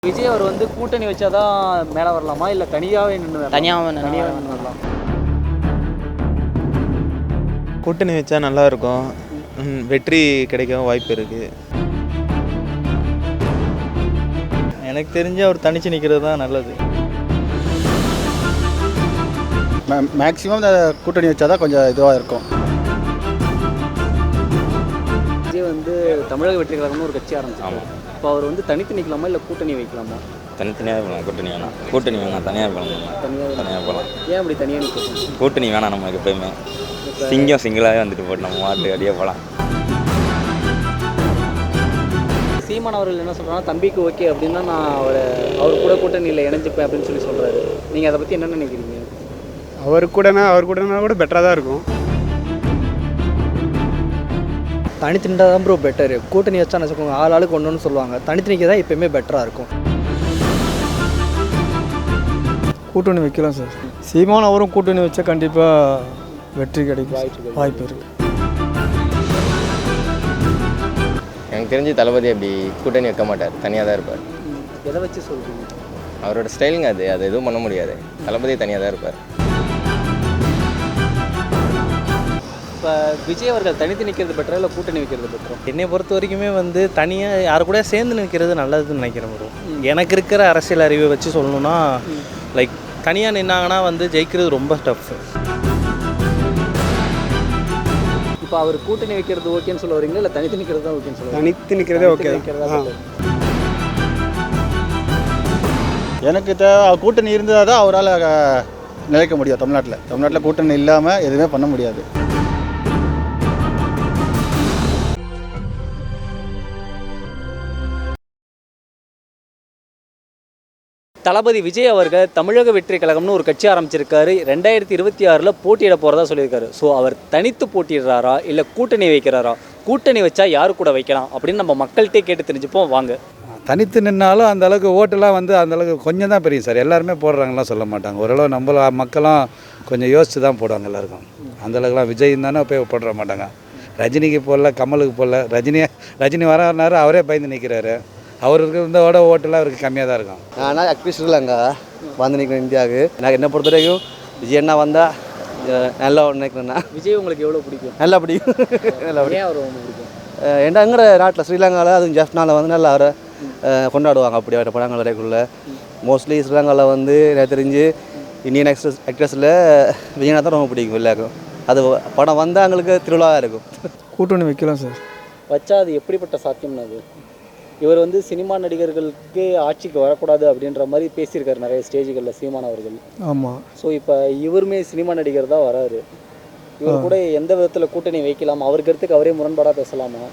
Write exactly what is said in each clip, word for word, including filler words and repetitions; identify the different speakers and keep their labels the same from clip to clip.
Speaker 1: விஜய் அவர் வந்து கூட்டணி வச்சாதான் மேலே வரலாமா இல்லை தனியாகவே நின்று
Speaker 2: தனியாக
Speaker 1: தனியாகவே நின்று வரலாம்?
Speaker 3: கூட்டணி வச்சா நல்லா இருக்கும். ம், வெற்றி கிடைக்கவும் வாய்ப்பு இருக்குது.
Speaker 4: எனக்கு தெரிஞ்சு அவர் தனிச்சு நிற்கிறது தான் நல்லது.
Speaker 5: மேக்ஸிமம் இந்த கூட்டணி வச்சா தான் கொஞ்சம் இதுவாக இருக்கும்.
Speaker 1: விஜய் வந்து தமிழக வெற்றி கழகம்னு ஒரு கட்சி ஆரம்பிச்சாங்க. இப்போ அவர் வந்து தனித்து நிற்கலாமா இல்லை கூட்டணி வைக்கலாமா?
Speaker 6: தனித்தனியாக போகலாம். கூட்டணி வேணாம். கூட்டணி வேணாம். தனியாக போகலாம்.
Speaker 1: தனியாக
Speaker 6: தனியாக போகலாம்.
Speaker 1: ஏன் அப்படி தனியாக நிற்கணும்?
Speaker 6: கூட்டணி வேணாம். நமக்கு எப்பயுமே சிங்கம் சிங்கிளாகவே வந்துட்டு போட்டு நம்ம மாட்டு அடியே போகலாம்.
Speaker 1: சீமான் அவர்கள் என்ன சொல்கிறாங்கன்னா, தம்பிக்கு ஓகே அப்படின்னா நான் அவரை அவர் கூட கூட்டணியில் இணைஞ்சிப்பேன் அப்படின்னு சொல்லி சொல்கிறாரு. நீங்கள் அதை பற்றி என்ன நினைக்கிறீங்க?
Speaker 7: அவர் கூடனா அவர் கூடனா கூட பெட்டராக தான் இருக்கும்.
Speaker 4: தனித்து நின்றா தான் ப்ரோ பெட்டரு. கூட்டணி வச்சா நினச்சிக்கோங்க, ஆள் ஆளுக்கு ஒன்றுன்னு சொல்லுவாங்க. தனித்து நிற்க தான் எப்போயுமே பெட்டராக இருக்கும். கூட்டணி வைக்கலாம் சார். சீமான் அவரும் கூட்டணி வச்சா கண்டிப்பாக வெற்றி கிடைக்கும் வாய்ப்பு இருக்குது.
Speaker 8: எனக்கு தெரிஞ்சு தளபதி அப்படி கூட்டணி வைக்க மாட்டார், தனியாக தான் இருப்பார்.
Speaker 1: எதை வச்சு சொல்கிறீங்க?
Speaker 8: அவரோட ஸ்டைலுங்க அது அது எதுவும் பண்ண முடியாது. தளபதி தனியாக தான் இருப்பார்.
Speaker 1: இப்போ விஜய் அவர்கள் தனித்து நிற்கிறது பெட்டரா இல்லை கூட்டணி வைக்கிறது பெட்டரா?
Speaker 4: என்னை பொறுத்த வரைக்குமே வந்து தனியாக யாரு கூட சேர்ந்து நிற்கிறது நல்லதுன்னு நினைக்கிறேன் ப்ரோ. எனக்கு இருக்கிற அரசியல் அறிவை வச்சு சொல்லணும்னா லைக் தனியாக நின்னாங்கன்னா வந்து ஜெயிக்கிறது ரொம்ப டஃப்.
Speaker 1: இப்போ அவர் கூட்டணி வைக்கிறது ஓகேன்னு சொல்ல வரீங்களா இல்லை தனித்து நிற்கிறது தான் ஓகேன்னு சொல்ல வரீங்களா?
Speaker 7: தனித்து நிற்கிறதே ஓகே
Speaker 1: நிற்கிறதா?
Speaker 5: எனக்கு தே கூட்டணி இருந்தால் தான் அவரால் நிலைக்க முடியும். தமிழ்நாட்டில் தமிழ்நாட்டில் கூட்டணி இல்லாமல் எதுவுமே பண்ண முடியாது.
Speaker 1: தளபதி விஜய் அவர்கள் தமிழக வெற்றி கழகம்னு ஒரு கட்சி ஆரம்பிச்சிருக்காரு. ரெண்டாயிரத்தி இருபத்தி ஆறில் போட்டியிட போகிறதா சொல்லியிருக்காரு. ஸோ அவர் தனித்து போட்டிடுறாரா இல்லை கூட்டணி வைக்கிறாரா? கூட்டணி வச்சா யாரு கூட வைக்கலாம் அப்படின்னு நம்ம மக்கள்கிட்டே கேட்டு தெரிஞ்சுப்போம் வாங்க.
Speaker 9: தனித்து நின்னாலும் அந்த அளவுக்கு ஓட்டெல்லாம் வந்து அந்த அளவுக்கு கொஞ்சம் தான் பெரிய சார். எல்லாருமே போடுறாங்கலாம் சொல்ல மாட்டாங்க. ஓரளவு நம்மள மக்களும் கொஞ்சம் யோசித்து தான் போடுவாங்க எல்லாருக்கும். அந்தளவுக்குலாம் விஜய் தானே போய் போட மாட்டாங்க. ரஜினிக்கு போடல, கமலுக்கு போடல. ரஜினி ரஜினி வரனாரு அவரே பயந்து நிற்கிறாரு. அவருக்கு இருந்தோட ஓட்டெல்லாம் அவருக்கு கம்மியாக தான் இருக்கும்.
Speaker 4: ஆனால் ஆக்டிவிஸ்ட் இல்லைங்க வந்து நிற்கிறேன் இந்தியாவுக்கு. எனக்கு என்ன பொறுத்த வரைக்கும் விஜய் என்ன வந்தால் நல்லா நினைக்கிறேன்னா.
Speaker 1: விஜய் உங்களுக்கு எவ்வளோ பிடிக்கும்?
Speaker 4: நல்லா பிடிக்கும். நல்லா
Speaker 1: ஏன் அவர் ரொம்ப பிடிக்கும்?
Speaker 4: எங்கட நாட்டில் ஸ்ரீலங்காவில் அதுவும் ஜெஃப்னாவில் வந்து நல்லா அவரை கொண்டாடுவாங்க. அப்படி அவரை படங்கள் வரைக்குள்ள மோஸ்ட்லி ஸ்ரீலங்காவில் வந்து எனக்கு தெரிஞ்சு இந்தியன் ஆக்ட்ரஸ் ஆக்ட்ரஸில் விஜயனா தான் ரொம்ப பிடிக்கும் எல்லாருக்கும். அது படம் வந்தால் எங்களுக்கு திருவிழாவாக இருக்கும். கூட்டணி வைக்கலாம் சார்.
Speaker 1: வச்சா அது எப்படிப்பட்ட சாத்தியம்னா? அது இவர் வந்து சினிமா நடிகர்களுக்கு ஆட்சிக்கு வரக்கூடாது அப்படின்ற மாதிரி பேசியிருக்காரு நிறைய ஸ்டேஜுகளில் சீமான் அவர்கள்.
Speaker 4: ஆமாம்.
Speaker 1: ஸோ இப்போ இவருமே சினிமா நடிகர் தான் வராரு. இவர் கூட எந்த விதத்தில் கூட்டணி வைக்கலாம்? அவர் கருத்துக்கு அவரே முரண்பாடாக பேசலாமா?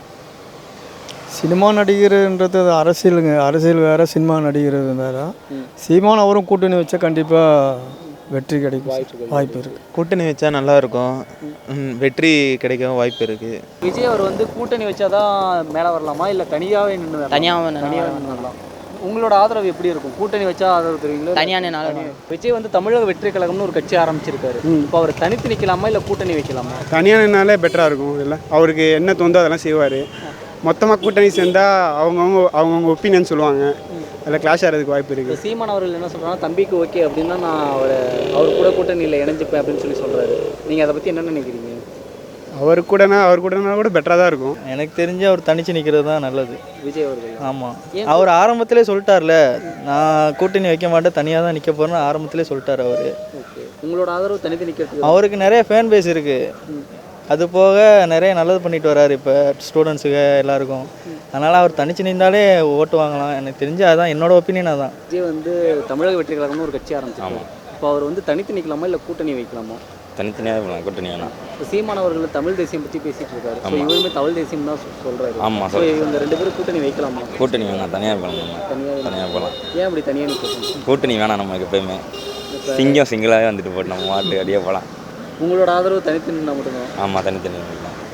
Speaker 4: சினிமா நடிகர்ன்றது அரசியலுங்க. அரசியல் வேறு, சினிமா நடிகர் வேறு. சீமான் அவரும் கூட்டணி வச்சா கண்டிப்பாக வெற்றி கிடைக்கும் வாய்ப்பு இருக்குது.
Speaker 3: கூட்டணி வச்சா நல்லா இருக்கும். ம், வெற்றி கிடைக்கவும் வாய்ப்பு இருக்குது.
Speaker 1: விஜய் அவர் வந்து கூட்டணி வச்சாதான் மேலே வரலாமா இல்லை தனியாகவே நின்று
Speaker 2: தனியாக
Speaker 1: தனியாகவே நின்று வரலாம்? உங்களோட ஆதரவு எப்படி இருக்கும்? கூட்டணி வச்சா ஆதரவு தருவீங்களா?
Speaker 2: தனியாக நின்னாலும்
Speaker 1: விஜய் வந்து தமிழக வெற்றி கழகம்னு ஒரு கட்சி ஆரம்பிச்சிருக்காரு. இப்போ அவர் தனித்து நிற்கலாமா இல்லை கூட்டணி வைக்கலாமா?
Speaker 7: தனியாக நின்னாலே பெட்டராக இருக்கும். இல்லை அவருக்கு என்ன தோந்தோ அதெல்லாம் செய்வார். மொத்தமாக கூட்டணி சேர்ந்தால் அவங்கவுங்க அவங்கவுங்க ஒப்பீனியன் சொல்லுவாங்க. அதில் கிளாஷ் ஆகிறதுக்கு வாய்ப்பு இருக்குது.
Speaker 1: சீமான் அவர்கள் என்ன சொல்கிறாங்கன்னா, தம்பிக்கு ஓகே அப்படின்னா நான் அவரை அவர் கூட கூட்டணியில் இணைஞ்சிப்பேன் அப்படின்னு சொல்லி சொல்கிறாரு. நீங்கள் அதை பற்றி என்ன நினைக்கிறீங்க?
Speaker 7: அவர் கூடனா அவர் கூடனா கூட பெட்டராக தான் இருக்கும்.
Speaker 4: எனக்கு தெரிஞ்சு அவர் தனிச்சு நிற்கிறது தான் நல்லது.
Speaker 1: விஜய் அவர்கள்.
Speaker 4: ஆமாம். அவர் ஆரம்பத்திலே சொல்லிட்டார்ல, நான் கூட்டணி வைக்க மாட்டேன், தனியாக தான் நிற்க போகிறேன்னு ஆரம்பத்திலே சொல்லிட்டார் அவர்.
Speaker 1: ஓகே, உங்களோட ஆதரவு தனித்து நிற்கிறது?
Speaker 4: அவருக்கு நிறைய ஃபேன் பேஸ் இருக்குது. அது போக நிறைய நல்லது பண்ணிட்டு வர்றாரு இப்போ ஸ்டூடெண்ட்ஸுக்கு எல்லாருக்கும். அதனால் அவர் தனிச்சு நின்றாலே ஓட்டு வாங்கலாம். எனக்கு தெரிஞ்சு அதுதான் என்னோட ஒப்பீனியன். அதான்
Speaker 1: விஜய் வந்து தமிழக வெற்றி கழகம்னு ஒரு கட்சி ஆரம்பிச்சாங்க. இப்போ அவர் வந்து தனித்து நிற்கலாமா இல்லை கூட்டணி வைக்கலாமா?
Speaker 6: தனித்தனியாக போகலாம். கூட்டணி வேணாம்.
Speaker 1: இப்போ சீமான் அவர்கள் தமிழ் தேசியம் பற்றி பேசிகிட்டு இருக்காரு. ஸோ இவருமே தமிழ் தேசியம் தான் சொல்கிறாரு.
Speaker 6: ஆமாம்.
Speaker 1: ஸோ இவங்க ரெண்டு பேரும் கூட்டணி வைக்கலாமா?
Speaker 6: கூட்டணி வேணாம். தனியாக போகலாம்.
Speaker 1: தனியாக
Speaker 6: தனியாக போகலாம்.
Speaker 1: ஏன் அப்படி தனியாக நிற்கணும்?
Speaker 6: கூட்டணி வேணாம். நமக்கு எப்பயுமே சிங்கம் சிங்கிளாகவே வந்துட்டு போட்டு நம்ம மாட்டு அடியே போகலாம்.
Speaker 1: உங்களோட ஆதரவு தனித்து நின்னா மட்டும்தான்?
Speaker 6: ஆமாம், தனித்தனி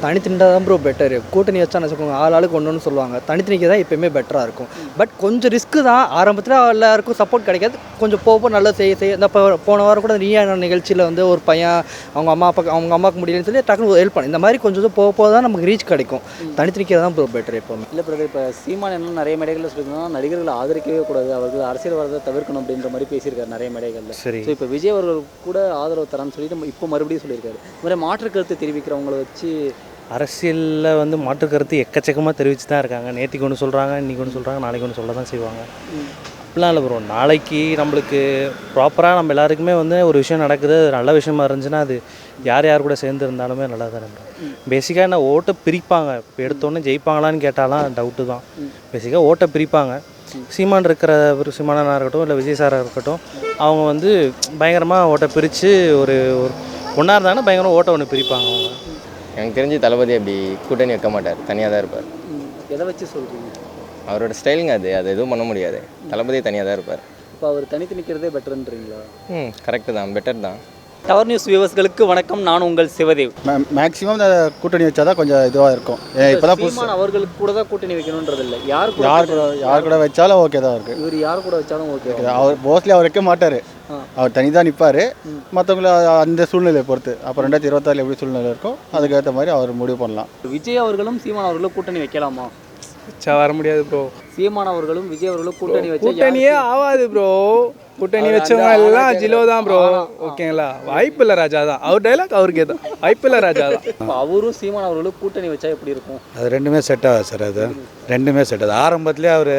Speaker 2: தனித்து தான் ப்ரோ பெட்டரு. கூட்டணி வச்சா வச்சுக்கோங்க ஆள் ஆளுக்கு ஒன்று ஒன்று சொல்லுவாங்க. தனித்து நிற்க தான் எப்பயுமே பெட்டராக இருக்கும். பட் கொஞ்சம் ரிஸ்க்கு தான். ஆரம்பத்தில் எல்லாருக்கும் சப்போர்ட் கிடைக்காது. கொஞ்சம் போக போக நல்லா செய்ய செய்ய இந்த இப்போ போன வாரம் கூட நீயா நிகழ்ச்சியில் வந்து ஒரு பையன் அவங்க அம்மா அப்பா அவங்க அம்மாவுக்கு முடியலன்னு சொல்லி டக்குனு ஹெல்ப் பண்ணு. இந்த மாதிரி கொஞ்சம் போக போக தான் நமக்கு ரீச் கிடைக்கும். தனித்து நிற்க தான் ப்ரோ பெட்டர் எப்போவுமே.
Speaker 1: இல்லை பிரதர், இப்போ சீமான் என்ன நிறைய மேடைகளில் சொல்லியிருந்தோம்னா நடிகர்களை ஆதரிக்கவே கூடாது, அவர்கள் அரசியல் வரதை தவிர்க்கணும் அப்படின்ற மாதிரி பேசியிருக்காரு நிறைய மேடைகளில்.
Speaker 3: சரி.
Speaker 1: ஸோ இப்போ விஜய் அவர்கள் கூட ஆதரவு தரான்னு சொல்லிட்டு இப்போ மறுபடியும் சொல்லியிருக்காரு. இந்த மாதிரி மாற்று கருத்து தெரிவிக்கிறவங்கள வச்சு
Speaker 10: அரசியலில் வந்து மாற்று கருத்து எக்கச்சக்கமாக தெரிவித்து தான் இருக்காங்க. நேற்றுக்கு ஒன்று சொல்கிறாங்க, இன்றைக்கி ஒன்று சொல்கிறாங்க, நாளைக்கு ஒன்று சொல்ல தான் செய்வாங்க. அப்படிலாம் இல்லை ப்ரோ. நாளைக்கு நம்மளுக்கு ப்ராப்பராக நம்ம எல்லாருக்குமே வந்து ஒரு விஷயம் நடக்குது, அது நல்ல விஷயமா இருந்துச்சுன்னா அது யார் யார் கூட சேர்ந்து இருந்தாலுமே நல்லா தான் இருக்கும். பேசிக்காக என்ன ஓட்டை பிரிப்பாங்க. இப்போ எடுத்தோன்னே ஜெயிப்பாங்களான்னு கேட்டாலாம் டவுட்டு தான். பேசிக்காக ஓட்டை பிரிப்பாங்க. சீமான் இருக்கிற ஒரு சீமானாக இருக்கட்டும் இல்லை விஜய் சாராக இருக்கட்டும், அவங்க வந்து பயங்கரமாக ஓட்டை பிரித்து ஒரு ஒரு ஒன்றா இருந்தாங்கன்னா பயங்கரமாக ஓட்டை ஒன்று பிரிப்பாங்க அவங்க.
Speaker 8: எனக்கு தெரிஞ்சு தளபதி அப்படி கூட்டணி வைக்க மாட்டார், தனியாக தான் இருப்பார்.
Speaker 1: எதை வச்சு சொல்கிறீங்க?
Speaker 8: அவரோட ஸ்டைலுங்க அது, அது எதுவும் பண்ண முடியாது. தளபதி தனியாக தான் இருப்பார்.
Speaker 1: இப்போ அவர் தனித்து நிற்கிறதே பெட்டர்ன்றீங்களா?
Speaker 8: ம் கரெக்டு தான், பெட்டர் தான்.
Speaker 1: டவர் நியூஸ் வியூவர்ஸ்களுக்கு வணக்கம், நான் உங்கள் சிவதேவ்.
Speaker 5: மேக்ஸிமம் கூட்டணி வச்சா தான் கொஞ்சம் இதுவாக இருக்கும். இப்போ தான்
Speaker 1: சீமான் அவர்களுக்கு கூட தான் கூட்டணி வைக்கணுன்றது இல்லை, யார் கூட
Speaker 5: யார் கூட யார் கூட வச்சாலும் ஓகே தான் இருக்குது.
Speaker 1: இவர் யார் கூட வச்சாலும் ஓகே.
Speaker 5: அவர் மோஸ்ட்லி அவர் வைக்க மாட்டார், அவர் தனி தான் நிற்பார். மற்றவங்கள அந்த சூழ்நிலையை பொறுத்து அப்புறம் ரெண்டாயிரத்தி இருபத்தாறு எப்படி சூழ்நிலை இருக்கோ அதுக்கேற்ற மாதிரி அவர் முடிவு பண்ணலாம்.
Speaker 1: விஜய் அவர்களும் சீமான் அவர்களும் கூட்டணி வைக்கலாமா?
Speaker 7: வச்சா வர முடியாது ப்ரோ.
Speaker 1: சீமான் அவர்களும் விஜய் அவர்களும் கூட்டணி வச்சு
Speaker 7: கூட்டணியே ஆகாது ப்ரோ. கூட்டணி வச்சவங்க எல்லாம் ஜிலோ தான் ப்ரோ. ஓகேங்களா? வாய்ப்பு இல்லை ராஜா தான். அவர் டைலாக் அவருக்கே தான். வாய்ப்பு இல்லை ராஜா தான்.
Speaker 1: இப்போ அவரும் சீமான் அவர்களும் கூட்டணி வச்சா எப்படி இருக்கும்?
Speaker 9: அது ரெண்டுமே செட் ஆகாது சார். அது ரெண்டுமே செட் ஆகுது. ஆரம்பத்துலேயே அவர்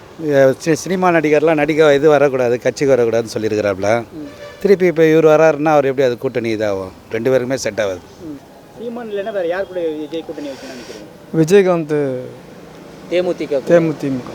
Speaker 9: சினிமா நடிகர்லாம் நடிக்க இது வரக்கூடாது, கட்சிக்கு வரக்கூடாதுன்னு சொல்லியிருக்கிறாப்புல. திருப்பி இப்போ இவர் வராருன்னா அவர் எப்படி அது கூட்டணி இதாகும்? ரெண்டு பேருக்குமே செட் ஆகாது.
Speaker 1: சீமான் இல்லைன்னா வேறு யார் கூட விஜய் கூட்டணி வைக்கணும்னு நினைக்கிறீங்க?
Speaker 7: விஜயகாந்த்
Speaker 1: தேமுதிக.
Speaker 7: தேமுதிமுக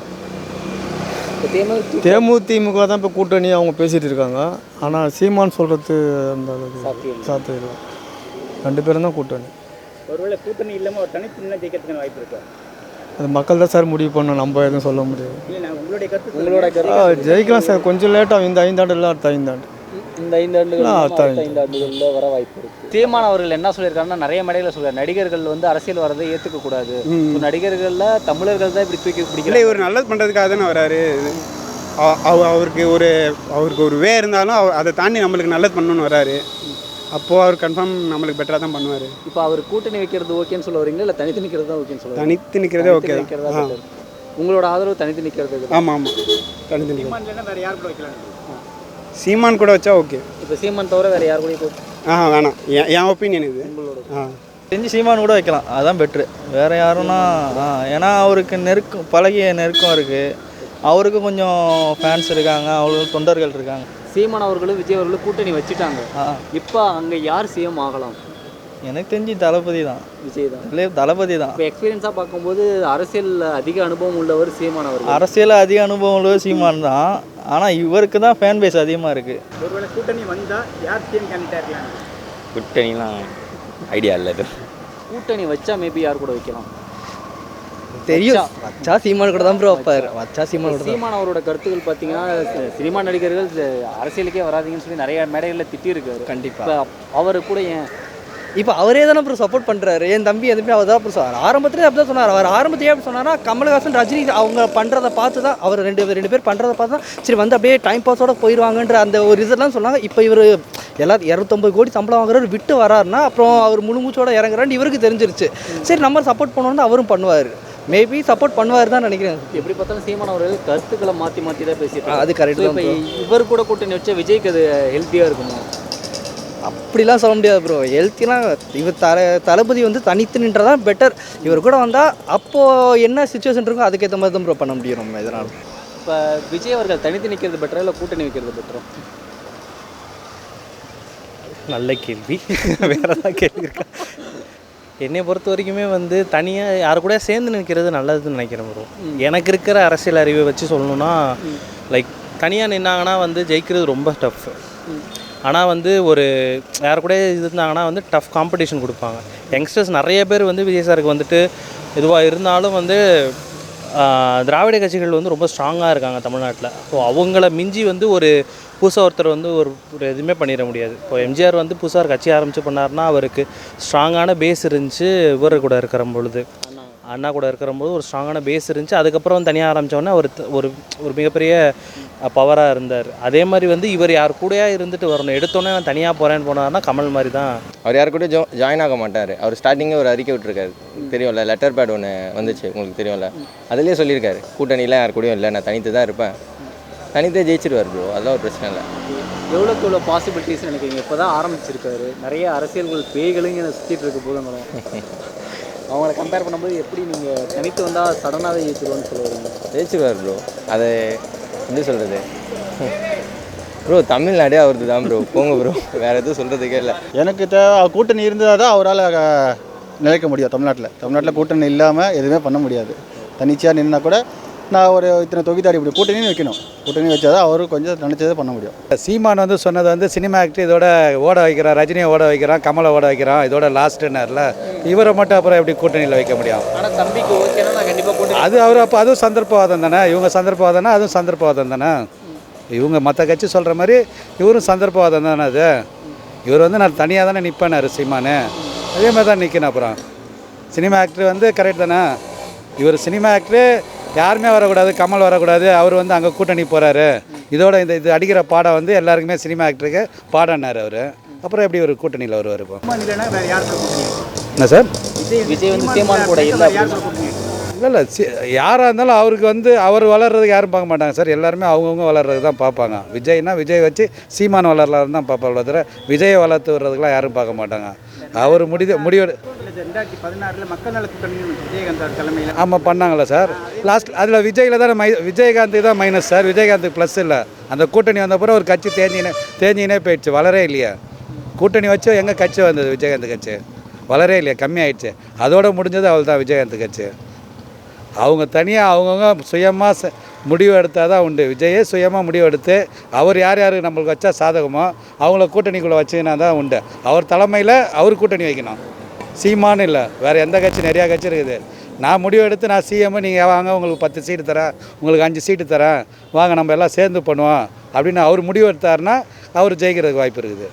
Speaker 1: தேமுதிக
Speaker 7: தேமுதிமுக தான் இப்போ கூட்டணி அவங்க பேசிகிட்டு இருக்காங்க. ஆனால் சீமான் சொல்கிறது அந்த அளவுக்கு சாத்தியம் இல்லை. ரெண்டு பேரும் தான் கூட்டணி.
Speaker 1: ஒருவேளை கூட்டணி இல்லாமல் ஒரு தனித்து நின்று ஜெயிக்கிறதுக்கான வாய்ப்பு இருக்கா?
Speaker 7: அது மக்கள் தான் சார் முடிவு பண்ணணும், நம்ம எதுவும் சொல்ல முடியாது.
Speaker 1: இல்லை, நான் உங்களுடைய கருத்து உங்களோட கருத்து
Speaker 7: ஜெயிக்கலாம் சார். கொஞ்சம் லேட்டாக இந்த ஐந்தாண்டு இல்லை அடுத்த ஐந்தாண்டு
Speaker 1: இந்த ஐந்து ஆண்டுகள் ஐந்து ஆண்டுகளில் வர வாய்ப்பு இருக்குது. சீமான் அவர்கள் என்ன சொல்லியிருக்காருன்னா நிறைய மேடைகளில் சொல்கிறார், நடிகர்கள் வந்து அரசியல் வரதை ஏற்றுக்கக்கூடாது, நடிகர்களில் தமிழர்கள் தான் இப்படி தூக்கி பிடிக்கல.
Speaker 7: இவர் நல்லது பண்ணுறதுக்காக தானே வராரு. அவருக்கு ஒரு அவருக்கு ஒரு வே இருந்தாலும் அவர் அதை தாண்டி நம்மளுக்கு நல்லது பண்ணணும்னு வராரு. அப்போது அவர் கன்ஃபார்ம் நம்மளுக்கு பெட்டராக தான் பண்ணுவார்.
Speaker 1: இப்போ அவர் கூட்டணி வைக்கிறது ஓகேன்னு சொல்ல வரீங்களா, இல்லை தனித்து நிற்கிறது தான் ஓகேன்னு சொல்லுவாங்க?
Speaker 7: தனித்து நிற்கிறதே ஓகே தான்.
Speaker 1: உங்களோட ஆதரவு தனித்து நிற்கிறது?
Speaker 7: ஆமாம் ஆமாம் தனித்து நிற்கிறது. வேறு யார் கூட வைக்கலாம்? சீமான் கூட வச்சா ஓகே.
Speaker 1: இப்போ சீமான் தவிர வேறு யார் கூட?
Speaker 7: ஆ வேணாம், என் ஒப்பீனியன் இது. ஆ
Speaker 10: தெரிஞ்சு சீமான் கூட வைக்கலாம், அதுதான் பெட்ரு. வேறு யாருன்னா ஏன்னா அவருக்கு நெருக்கம் பழகிய நெருக்கம் இருக்குது, அவருக்கு கொஞ்சம் ஃபேன்ஸ் இருக்காங்க, அவங்களுக்கு தொண்டர்கள் இருக்காங்க.
Speaker 1: சீமான் அவர்களும் விஜய் அவர்களும் கூட்டணி வச்சுட்டாங்க. இப்போ அங்கே யார் சிஎம் ஆகலாம்?
Speaker 10: எனக்கு தெரிஞ்சு தளபதி தான்.
Speaker 1: விஜய் தான்.
Speaker 10: இல்லை தளபதி தான்.
Speaker 1: இப்போ எக்ஸ்பீரியன்ஸாக பார்க்கும்போது அரசியல் அதிக அனுபவம் உள்ளவர் சீமான் அவர்.
Speaker 10: அரசியல் அதிக அனுபவம் உள்ளவர் சீமான் தான். ஆனால் இவருக்கு தான் ஃபேன் பேஸ் அதிகமாக இருக்குது.
Speaker 1: ஒருவேளை கூட்டணி வந்தால் யார் சிஎம் கேண்டிடேட் இருக்கலாம்?
Speaker 6: கூட்டணிலாம் ஐடியா இல்லை.
Speaker 1: கூட்டணி வச்சா மேபி யார் கூட வைக்கலாம்
Speaker 2: தெரியும். வச்சா சீமான் கூட தான் ப்ரோ வைப்பார். வச்சா சீமான் கூட.
Speaker 1: சீமான் அவரோட கருத்துக்கள் பார்த்தீங்கன்னா சினிமா நடிகர்கள் அரசியலுக்கே வராதிங்கன்னு சொல்லி நிறைய மேடைகளில் திட்டியிருக்காரு.
Speaker 2: கண்டிப்பாக
Speaker 1: அவரு கூட ஏன்
Speaker 2: இப்போ அவரே தானே ப்ரோ சப்போர்ட் பண்ணுறாரு. என் தம்பி எதுவுமே அவர் தான் ப்ரோ சொன்னார். ஆரம்பத்திலே அப்படி தான் சொன்னார். அவர் ஆரம்பத்திலே அப்படி சொன்னார்னா கமல்ஹாசன் ரஜினி அவங்க பண்ணுறதை பார்த்து தான், அவர் ரெண்டு ரெண்டு பேர் பண்ணுறதை பார்த்து தான் சரி வந்து அப்படியே டைம் பாஸோட போயிடுவாங்கன்ற அந்த ஒரு ரிசல்ட்லாம் சொன்னாங்க. இப்போ இவர் எல்லாரும் இரநூத்தொம்பது கோடி சம்பளம் வாங்குறவர் விட்டு வராருன்னா அப்புறம் அவர் முழுமூச்சோட இறங்குறான்னு இவருக்கு தெரிஞ்சிருச்சு. சரி நம்ம சப்போர்ட் பண்ணோன்னு அவரும் பண்ணுவார். மேபி சப்போர்ட் பண்ணுவார் தான் நினைக்கிறேன்.
Speaker 1: எப்படி பார்த்தாலும் சீமான் அவர்கள் கருத்துக்களை மாற்றி மாற்றி தான் பேசிட்டு
Speaker 2: அது கரெக்ட் தான்.
Speaker 1: இவர் கூட கூட்டணி வச்சா விஜய்க்கு அது ஹெல்த்தியாக இருக்குமா?
Speaker 2: அப்படிலாம் சொல்ல முடியாது ப்ரோ. ஹெல்த்திலாம் இவர் தல தளபதி வந்து தனித்து நின்றதான் பெட்டர். இவர் கூட வந்தால் அப்போது என்ன சுச்சுவேஷன் இருக்கோ அதுக்கேற்ற மாதிரி தான் ப்ரோ பண்ண முடியும் நம்ம இதனால்.
Speaker 1: இப்போ விஜய் அவர்கள் தனித்து நிற்கிறது பெட்டரா இல்லை கூட்டணி வைக்கிறது பெட்டரா?
Speaker 10: நல்ல கேள்வி. வேறு ஏதாவது கேள்வி இருக்கா? என்னை பொறுத்த வரைக்குமே வந்து தனியாக யாரு கூட சேர்ந்து நிற்கிறது நல்லதுன்னு நினைக்கிறேன் ப்ரோ. எனக்கு இருக்கிற அரசியல் அறிவை வச்சு சொல்லணுன்னா லைக் தனியாக நின்னாங்கன்னா வந்து ஜெயிக்கிறது ரொம்ப டஃப். ஆனால் வந்து ஒரு யார் கூட இருந்தாங்கன்னா வந்து டஃப் காம்படிஷன் கொடுப்பாங்க. யங்ஸ்டர்ஸ் நிறைய பேர் வந்து விஜய் சாருக்கு வந்துட்டு இதுவாக இருந்தாலும் வந்து திராவிட கட்சிகள் வந்து ரொம்ப ஸ்ட்ராங்காக இருக்காங்க தமிழ்நாட்டில். ஸோ அவங்கள மிஞ்சி வந்து ஒரு புதுசாக ஒருத்தர் வந்து ஒரு ஒரு எதுவுமே பண்ணிட முடியாது. இப்போ எம்ஜிஆர் வந்து புதுசாக ஒரு கட்சி ஆரம்பித்து பண்ணார்னா அவருக்கு ஸ்ட்ராங்கான பேஸ் இருந்துச்சு. இவர் கூட இருக்கிற பொழுது அண்ணா கூட இருக்கிறபோது ஒரு ஸ்ட்ராங்கான பேஸ் இருந்துச்சு. அதுக்கப்புறம் தனியாக ஆரம்பித்தோடனே அவர் ஒரு ஒரு மிகப்பெரிய பவராக இருந்தார். அதே மாதிரி வந்து இவர் யார் கூடயா இருந்துட்டு வரணும். எடுத்தோன்னே நான் தனியாக போகிறேன்னு போனார்னா கமல் மாதிரி தான்.
Speaker 8: அவர் யார் கூட ஜோ ஜாயின் ஆக மாட்டார். அவர் ஸ்டார்டிங்கே ஒரு அறிக்கை விட்டுருக்காரு, தெரியும்ல, லெட்டர் பேட் ஒன்று வந்துச்சு உங்களுக்கு தெரியும்ல. அதுலேயே சொல்லியிருக்காரு, கூட்டணிலாம் யார் கூடயும் இல்லை, நான் தனித்து தான் இருப்பேன், தனித்தே ஜெயிச்சிருவார் ப்ரோ, அதெல்லாம் ஒரு பிரச்சனை இல்லை.
Speaker 1: எவ்வளோக்கு எவ்வளோ பாசிபிலிட்டிஸ் நினைக்கிறீங்க? இப்போ தான் ஆரம்பிச்சிருக்காரு, நிறைய அரசியல்கள் பேய்களும் இங்கே சுற்றிட்டு இருக்க போதுங்களும். அவங்கள கம்பேர் பண்ணும்போது எப்படி நீங்கள் தனித்து வந்தால் சடனாகவே ஜெயிச்சிருவோன்னு சொல்லுவீங்க?
Speaker 8: ஜெயிச்சிருவார் ப்ரோ. அதை எப்படி சொல்கிறது ப்ரோ, தமிழ்நாடே அவரது தான் ப்ரோ, போங்க ப்ரோ, வேறு எதுவும் சொல்கிறதுக்கே இல்லை.
Speaker 5: எனக்கு தே கூட்டணி இருந்தால் தான் அவரால் நிலைக்க முடியும். தமிழ்நாட்டில் தமிழ்நாட்டில் கூட்டணி இல்லாமல் எதுவுமே பண்ண முடியாது. தனிச்சையாக நின்னா கூட நான் ஒரு இத்தனை தொகுதியாடி இப்படி கூட்டணியும் வைக்கணும். கூட்டணி வச்சா தான் அவரும் கொஞ்சம் நினச்சதை பண்ண முடியும்.
Speaker 9: சீமான் வந்து சொன்னது வந்து சினிமா ஆக்டர் இதோட ஓட வைக்கிறான், ரஜினியை ஓட வைக்கிறான், கமலை ஓட வைக்கிறான், இதோட லாஸ்ட்டுன்னார்ல, இவரை மட்டும் அப்புறம் எப்படி கூட்டணியில் வைக்க முடியும்?
Speaker 1: ஆனால் தம்பிக்கு ஓகேனா நான் கண்டிப்பாக கூட்டணி.
Speaker 9: அது அவர் அப்போ அதுவும் சந்தர்ப்பவாதம் தானே, இவங்க சந்தர்ப்பவாதம்னா அதுவும் சந்தர்ப்பவாதம் தானே. இவங்க மற்ற கட்சி சொல்கிற மாதிரி இவரும் சந்தர்ப்பவாதம் தானே. அது இவர் வந்து நான் தனியாக தானே நிற்பேனாரு சீமானு, அதே மாதிரி தான் நிற்கணும். அப்புறம் சினிமா ஆக்டர் வந்து கரெக்ட் தானே. இவர் சினிமா ஆக்டரு யாருமே வரக்கூடாது, கமல் வரக்கூடாது, அவர் வந்து அங்கே கூட்டணி போகிறாரு, இதோட இந்த இது அடிக்கிற பாடம் வந்து எல்லாருக்குமே சினிமா ஆக்டருக்கு பாடம்னார் அவர். அப்புறம் எப்படி ஒரு கூட்டணியில் வருவார்? இப்போ என்ன சார்,
Speaker 1: விஜய் வந்து சீமான் கூட இல்லை
Speaker 9: இல்லை இல்லை சி யாராக இருந்தாலும் அவருக்கு வந்து அவர் வளர்றதுக்கு யாரும் பார்க்க மாட்டாங்க சார். எல்லாருமே அவங்கவுங்க வளர்றது தான் பார்ப்பாங்க. விஜய்னா விஜய் வச்சு சீமான் வளரலாம் தான் பார்ப்பாங்க தவிர விஜயை வளர்த்து வர்றதுக்கெலாம் யாரும் பார்க்க மாட்டாங்க. அவர் முடிவு முடிவு
Speaker 7: ரெண்டாயிரத்தி பதினாறில் மக்கள் நல கூட்டணி விஜயகாந்த் தலைமையில்
Speaker 9: ஆமாம் பண்ணாங்களா சார். லாஸ்ட் அதில் விஜயில் தான் மை விஜயகாந்துக்கு தான் மைனஸ் சார், விஜயகாந்துக்கு ப்ளஸ் இல்லை. அந்த கூட்டணி வந்தப்பறம் ஒரு கட்சி தேஞ்சினே தேஞ்சினே போயிடுச்சு, வளரே இல்லையா. கூட்டணி வச்சு எங்கே கட்சி வந்தது? விஜயகாந்த் கட்சி வளரே இல்லையா, கம்மியாயிடுச்சு. அதோட முடிஞ்சது அவள் தான் விஜயகாந்த் கட்சி. அவங்க தனியாக அவங்கவுங்க சுயமாக முடிவு எடுத்தால் தான் உண்டு. விஜயே சுயமாக முடிவு எடுத்து அவர் யார் யார் நம்மளுக்கு வச்சா சாதகமோ அவங்கள கூட்டணிக்குள்ளே வச்சுக்கினா தான் உண்டு. அவர் தலைமையில் அவர் கூட்டணி வைக்கணும், சீமானு இல்லை. வேறு எந்த கட்சி, நிறையா கட்சி இருக்குது. நான் முடிவு எடுத்து நான் சிஎம், நீங்கள் வாங்க உங்களுக்கு பத்து சீட்டு தரேன், உங்களுக்கு அஞ்சு சீட்டு தரேன், வாங்க நம்ம எல்லாம் சேர்ந்து பண்ணுவோம் அப்படின்னு அவர் முடிவு எடுத்தாருன்னா அவர் ஜெயிக்கிறதுக்கு வாய்ப்பு இருக்குது.